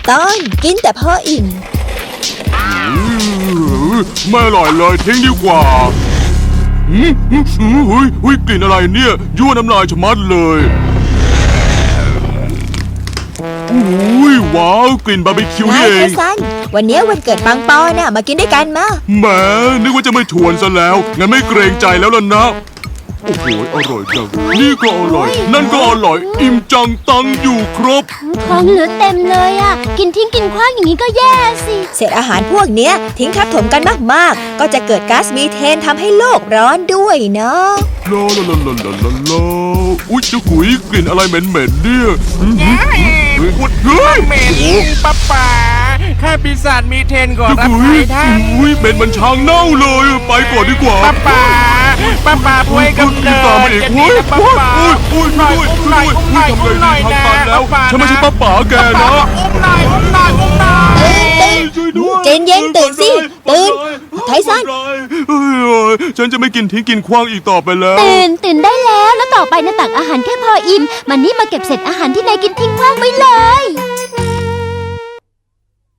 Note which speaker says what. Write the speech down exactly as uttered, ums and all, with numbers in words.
Speaker 1: ตอนกินแต่พออิ่ม
Speaker 2: ไม่อร่อยเลยทิ้งดีกว่าหืมหืมหืมหุยหุยกลิ่นอะไรเนี่ยยั่วน้ำลายชะมัดเลยอุ้ยว้าวกลิ่นบาร์บีคิวนี่
Speaker 1: นาย
Speaker 2: เอ
Speaker 1: เจ
Speaker 2: ง
Speaker 1: สันวันนี้วันเกิดปังปอน่ะมากินด้วยกันมา
Speaker 2: แหมนึกว่าจะไม่ชวนซะแล้วงั้นไม่เกรงใจแล้วล่ะนะโอ้โหอร่อยจังนี่ก็อร่อยนั่นก็อร่อยอิ่มจังตังอยู่ครบ
Speaker 3: ของเหลือเต็มเลยอ่ะกินทิ้งกินขว้างอย่างนี้ก็แย่สิ
Speaker 1: เศษอาหารพวกเนี้ยทิ้งทับถมกันมากๆก็จะเกิดก๊าซมีเทนทำให้โลกร้อนด้วยเนาะ
Speaker 2: ลาลาลาลาลาลาลาอุ้ยจะกุยกลิ่นอะไรเหม็นๆเนี่ยเฮ้ยเฮ้ย
Speaker 4: เหม็น
Speaker 2: โอ้
Speaker 4: ป้าป๋าข้าปีศาจมีเทนก่อน
Speaker 2: จะ
Speaker 4: รับ
Speaker 2: กุ
Speaker 4: ใคร
Speaker 2: ย
Speaker 4: ท่าน
Speaker 2: อุ้ยเหม็นมันช้างเน่าเลยไปก่อนดีกว่า
Speaker 4: ป้าป๋าป้าป๋าป่วยกำเนิด
Speaker 2: ตามมาอีก
Speaker 4: จะ
Speaker 2: อุ้
Speaker 4: ดี
Speaker 2: ย
Speaker 4: นะป้า
Speaker 2: อุ้ย
Speaker 4: ป๋า
Speaker 2: อุ้ยอุ้ย
Speaker 4: หน่อย
Speaker 2: อุ้ย
Speaker 4: อุ้มหน่อยอุ้มหน่อยอุ้มหน่อย
Speaker 2: ทำไงดีทางตันแล้ว
Speaker 4: ป้าป๋า
Speaker 2: ฉันไม่ใช่ป้าป๋าแกนะ
Speaker 4: อุ้มหน่อยอุ้มหน่อยอุ้มหน่อย
Speaker 2: ช่วยด้วย
Speaker 1: เจนเย็นตื่นสิตื่นไทสัน
Speaker 2: เฮ้ยฉันจะไม่กินทิ้งกินขว้างอีกต่อไปแล้ว
Speaker 3: ตื่นตื่นได้แล้วแล้วต่อไปนะตักอาหารแค่พออิ่มมันนี่มาเก็บเศษอาหารที่นายกินทิ้งขว้างไว้เลย